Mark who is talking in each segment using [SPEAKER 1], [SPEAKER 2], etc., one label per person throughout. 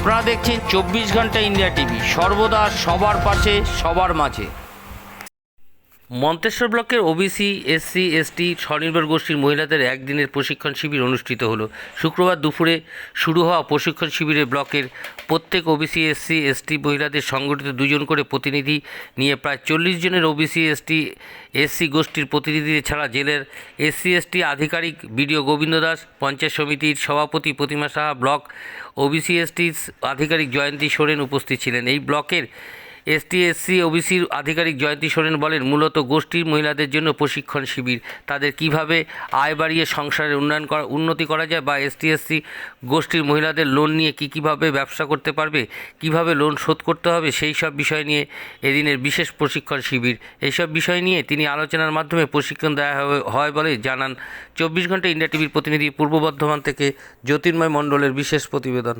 [SPEAKER 1] আপনারা দেখছেন 24 ঘন্টা ইন্ডিয়া টিভি, সর্বদা সবার পাশে সবার মাঝে। মন্তেশ্বর ব্লকের ওবিসি এসসি এসটি স্বনির্ভর গোষ্ঠীর মহিলাদের একদিনের প্রশিক্ষণ শিবির অনুষ্ঠিত হলো। শুক্রবার দুপুরে শুরু হওয়া প্রশিক্ষণ শিবিরে ব্লকের প্রত্যেক ওবিসি এসসি এসটি মহিলাদের সংগঠিত দুজন করে প্রতিনিধি নিয়ে প্রায় 40 জনের ওবিসি এসসি গোষ্ঠীর প্রতিনিধি ছাড়া জেলার এসসি এসটি আধিকারিক বিডিও গোবিন্দ দাস, পঞ্চায়েত সমিতির সভাপতি Pratima Saha, block OBC ST আধিকারিক জয়ন্তী সোরেন উপস্থিত ছিলেন। এই ব্লকের এসটি এসসি ওবিসির আধিকারিক জয়ন্তী সোরেন বলেন, মূলত গোষ্ঠীর মহিলাদের জন্য প্রশিক্ষণ শিবির, তাদের কিভাবে আয় বাড়িয়ে সংসারের উন্নতি করা যায় বা এসটি এসসি গোষ্ঠীর মহিলাদের লোন নিয়ে কীভাবে ব্যবসা করতে পারবে, কিভাবে লোন শোধ করতে হবে, সেই সব বিষয় নিয়ে এদিনের বিশেষ প্রশিক্ষণ শিবির। এইসব বিষয় নিয়ে তিনি আলোচনার মাধ্যমে প্রশিক্ষণ দেওয়া হয় বলে জানান। 24 ঘন্টা ইন্ডিয়া টিভির প্রতিনিধি পূর্ব বর্ধমান থেকে জ্যোতির্ময় মণ্ডলের বিশেষ প্রতিবেদন।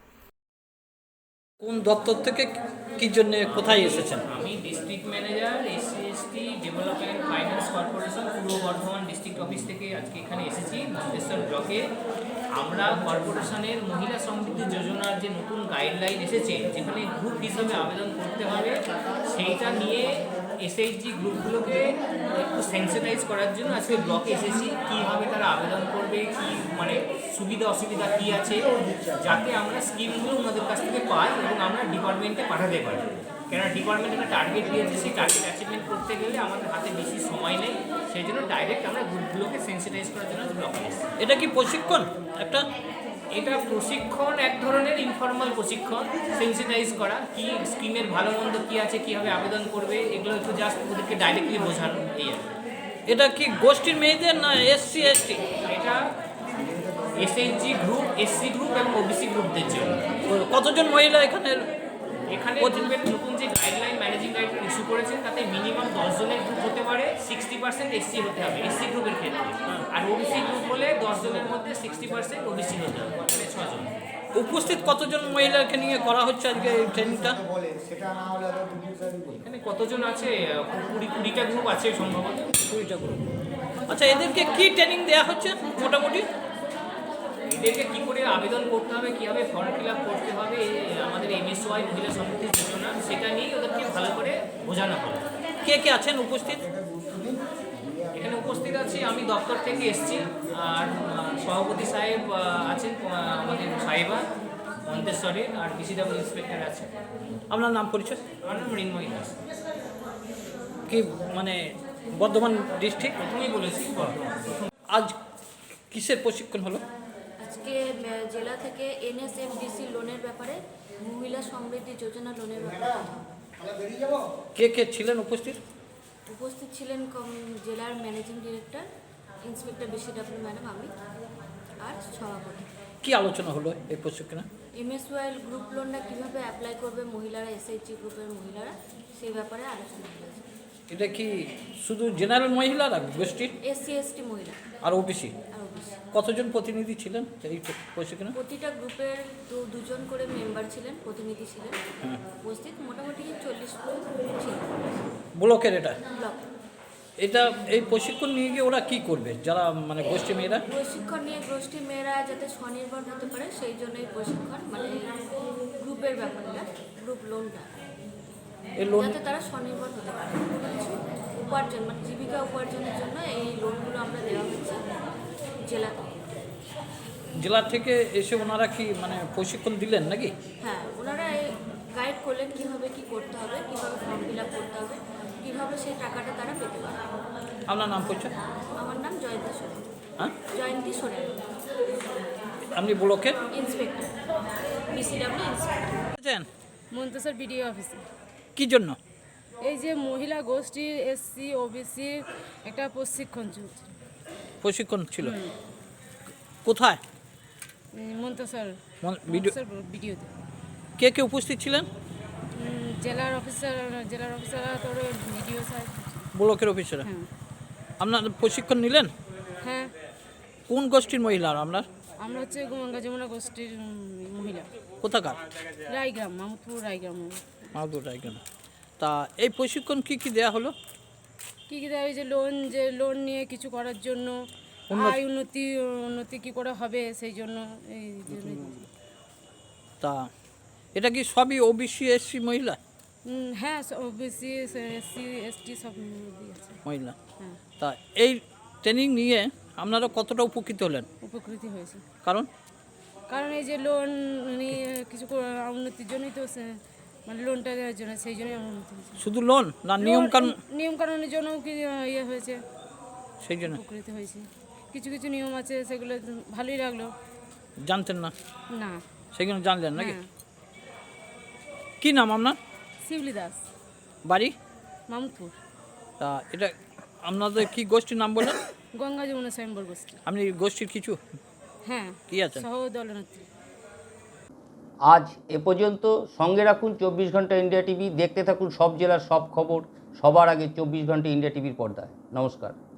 [SPEAKER 2] কোন দপ্তর থেকে কি জন্য কোথায় এসেছেন?
[SPEAKER 3] আমি district manager SC ST development finance corporation Purba Bardhaman district office থেকে আজকে এখানে এসেছি মন্তেশ্বর ব্লকে। আমরা কর্পোরেশনের মহিলা সমৃদ্ধি যোজনার যে নতুন গাইডলাইন এসেছে, যেখানে গ্রুপ হিসাবে আবেদন করতে হবে, সেইটা নিয়ে এসএইচজি গ্রুপগুলোকে একটু সেন্সিটাইজ করার জন্য আজকে ব্লকে এসেছি। কীভাবে তারা আবেদন করবে, কি মানে সুবিধা অসুবিধা কী আছে, যাতে আমরা স্কিমগুলো ওনাদের কাছ থেকে পাই এবং আমরা ডিপার্টমেন্টে পাঠাতে পারি। কেননা ডিপার্টমেন্ট একটা টার্গেট দিয়েছে, সেই টার্গেট অ্যাচিভমেন্ট করতে গেলে আমাদের হাতে বেশি সময় নেই। সেই জন্য ডাইরেক্ট আমরা গ্রুপগুলোকে সেন্সিটাইজ করার জন্য ব্লকে এসেছি।
[SPEAKER 2] এটা কি প্রশিক্ষণ?
[SPEAKER 3] এটা প্রশিক্ষণ, এক ধরনের ইনফর্মাল প্রশিক্ষণ, সেন্সিটাইজ করা, কি স্কিমের ভালো মন্দ কী আছে, কীভাবে আবেদন করবে, এগুলো একটু জাস্ট ওদেরকে ডাইরেক্টলি বোঝানো। এই আর
[SPEAKER 2] এটা কি গোষ্ঠীর মেয়েদের না এসসি এসটি?
[SPEAKER 3] এটা এসএইচজি গ্রুপ, এসসি গ্রুপ এবং ওবিসি গ্রুপদের জন্য।
[SPEAKER 2] কতজন মহিলা এখানে
[SPEAKER 3] গ্রুপের নতুন যে গাইডলাইন, ম্যানেজিং গাইডলাইন ইস্যু করেছেন, তাতে মিনিমাম 10 জনের গ্রুপ হতে পারে, 60% এসসি হতে হবে এসসি গ্রুপের ক্ষেত্রে। আর ওবিসি গ্রুপ হলে 10 জনের মধ্যে 60% ওবিসি হতে হবে, মানে 6 জন।
[SPEAKER 2] উপস্থিত কতজন মহিলাকে নিয়ে করা হচ্ছে আজকে এই ট্রেনিংটা?
[SPEAKER 3] এখানে কতজন আছে? 20টা গ্রুপ আছে সম্ভবত।
[SPEAKER 2] 20টা গ্রুপ। আচ্ছা, এদেরকে কি ট্রেনিং দেওয়া হচ্ছে মোটামুটি?
[SPEAKER 3] এদেরকে কী করে আবেদন করতে হবে, কীভাবে ফর্ম ফিল আপ করতে হবে, আমাদের এমএসওয়াই মহিলা সমৃদ্ধি যোজনা, সেটা নিয়েই ওদেরকে ভালো করে বোঝানো হবে।
[SPEAKER 2] কে কে আছেন উপস্থিত?
[SPEAKER 3] এখানে উপস্থিত আছি, আমি দপ্তর থেকে এসেছি, আর সভাপতি সাহেব আছেন, আমাদের সাহেবা মন্তেশ্বরের, আর ডিসিডব্লিউ ইন্সপেক্টর আছে।
[SPEAKER 2] আপনার নাম পরিচয়?
[SPEAKER 3] আমার নাম মৃন্ময়ী দাস।
[SPEAKER 2] কি মানে বর্ধমান ডিস্ট্রিক্ট?
[SPEAKER 3] প্রথমেই বলেছি বর্ধমান।
[SPEAKER 2] আজ কিসের প্রশিক্ষণ হলো?
[SPEAKER 4] আজকে জেলা থেকে এনএসএফডিসি লোনের ব্যাপারে, মহিলা সমৃদ্ধি যোজনা লোনের ব্যাপারে
[SPEAKER 2] কে কে ছিলেন উপস্থিত?
[SPEAKER 4] উপস্থিত ছিলেন জেলার managing director, inspector BCW madam, আমি আর সভাপতি।
[SPEAKER 2] কি আলোচনা হলো এই প্রশিক্ষণে?
[SPEAKER 4] এমএসওয়াইল গ্রুপ লোনটা কীভাবে অ্যাপ্লাই করবে মহিলারা, এসএইচজি গ্রুপের মহিলারা, সেই ব্যাপারে আলোচনা হয়েছে।
[SPEAKER 2] এটা কি শুধু জেনারেল মহিলারা গোষ্ঠীর?
[SPEAKER 4] এসসি এসটি মহিলা
[SPEAKER 2] আর ওবিসি?
[SPEAKER 4] আর ওবিসি।
[SPEAKER 2] কতজন প্রতিনিধি ছিলেন এই প্রশিক্ষণে?
[SPEAKER 4] প্রতিটা গ্রুপের দুজন করে মেম্বার ছিলেন, প্রতিনিধি ছিলেন উপস্থিত, মোটামুটি 40 ছিল
[SPEAKER 2] ব্লকের। এটা
[SPEAKER 4] ব্লক।
[SPEAKER 2] এটা এই প্রশিক্ষণ নিয়ে গিয়ে ওরা কি করবে, যারা মানে গোষ্ঠী মেয়েরা?
[SPEAKER 4] প্রশিক্ষণ নিয়ে গোষ্ঠীর মেয়েরা যাতে স্বনির্ভর হতে পারে, সেই জন্যই প্রশিক্ষণ, মানে গ্রুপের ব্যাপারটা, গ্রুপ লোনটা,
[SPEAKER 2] এই লোন
[SPEAKER 4] যাতে তারা স্বনির্ভর হতে পারে, কিছু উপার্জন মানে জীবিকা উপার্জনের জন্য এই লোনগুলো আমরা দেওয়া হচ্ছে জেলা থেকে।
[SPEAKER 2] জেলা থেকে এসে ওনারা কি মানে প্রশিক্ষণ দিলেন নাকি?
[SPEAKER 4] হ্যাঁ, ওনারা গাইড করলেন কীভাবে কী করতে হবে, কীভাবে ফর্ম ফিল আপ করতে হবে, কীভাবে সেই টাকাটা তারা পেতে পারে।
[SPEAKER 2] আপনার নাম পরিচয়?
[SPEAKER 4] আমার নাম জয়ন্তী সোরেন।
[SPEAKER 2] হ্যাঁ,
[SPEAKER 4] জয়ন্তী সোরেন,
[SPEAKER 2] আপনি ব্লকের
[SPEAKER 4] inspector, BCW inspector.
[SPEAKER 5] Manteswar BDO অফিসে।
[SPEAKER 2] কি জন্য?
[SPEAKER 5] এই যে মহিলা গোষ্ঠীর এসসি ওবিসির একটা প্রশিক্ষণ চলছে।
[SPEAKER 2] প্রশিক্ষণ ছিল কোথায়?
[SPEAKER 5] মন্তেশ্বর বিডিওতে।
[SPEAKER 2] কে কে উপস্থিত ছিলেন?
[SPEAKER 5] জেলার অফিসাররা তোর বিডিও সাহেব,
[SPEAKER 2] ব্লকের অফিসাররা।
[SPEAKER 5] হ্যাঁ
[SPEAKER 2] আপনার প্রশিক্ষণ নিলেন?
[SPEAKER 5] হ্যাঁ।
[SPEAKER 2] কোন গোষ্ঠীর মহিলা আপনার?
[SPEAKER 5] আমরা হচ্ছে গঙ্গা যমুনা গোষ্ঠীর মহিলা।
[SPEAKER 2] কোথাকার?
[SPEAKER 5] রায়গ্রাম, মাহমুদপুর রায়গ্রাম।
[SPEAKER 2] মাহমুদপুর রায়গ্রাম। তা এই প্রশিক্ষণ কি কি দেয়া হলো?
[SPEAKER 5] কী কী দেওয়া হয়েছে? লোন নিয়ে কিছু করার জন্য, আয় উন্নতি কী করে হবে সেই জন্য। এই
[SPEAKER 2] তা এটা কি সবই ওবিসি এসসি মহিলা
[SPEAKER 5] হ্যাঁ ওবিসি এসসি এসটি সব দিয়েছে।
[SPEAKER 2] মহিলা?
[SPEAKER 5] হ্যাঁ,
[SPEAKER 2] তা এই ট্রেনিং নিয়ে আপনারা কতটা উপকৃত হলেন?
[SPEAKER 5] উপকৃত হয়েছে।
[SPEAKER 2] কারণ
[SPEAKER 5] কারণ এই যে লোন নিয়ে কিছু উন্নতির জন্যই তো মানে লোনটা দেওয়ার জন্য, সেই জন্যই আমার উন্নতি হয়েছে।
[SPEAKER 2] শুধু লোন না নিয়মকানুন
[SPEAKER 5] নিয়মকানুনের জন্যও কি ইয়ে হয়েছে,
[SPEAKER 2] সেই জন্য?
[SPEAKER 5] উপকৃত হয়েছে। কিছু কিছু নিয়ম আছে, সেগুলো ভালোই লাগলো।
[SPEAKER 2] জানতেন না,
[SPEAKER 5] না।
[SPEAKER 2] সেগুলো জানলেন নাকি?
[SPEAKER 5] হ্যাঁ।
[SPEAKER 2] কি নাম আপনার?
[SPEAKER 5] শিবলি দাস,
[SPEAKER 2] বাড়ি?
[SPEAKER 5] মামুদপুর।
[SPEAKER 2] তা এটা আপনাদের কি গোষ্ঠীর নাম বললেন?
[SPEAKER 5] গঙ্গা যমুনা স্বয়ম্বর গোষ্ঠী।
[SPEAKER 2] আপনি গোষ্ঠীর কিছু
[SPEAKER 5] হ্যাঁ,
[SPEAKER 2] কি আছেন?
[SPEAKER 5] সহ দলনেত্রী।
[SPEAKER 1] আজ এ পর্যন্ত। সঙ্গে রাখুন 24 ঘন্টা ইন্ডিয়া টিভি। দেখতে থাকুন সব জেলার সব খবর সবার আগে 24 ঘন্টা ইন্ডিয়া টিভির পর্দায়। নমস্কার।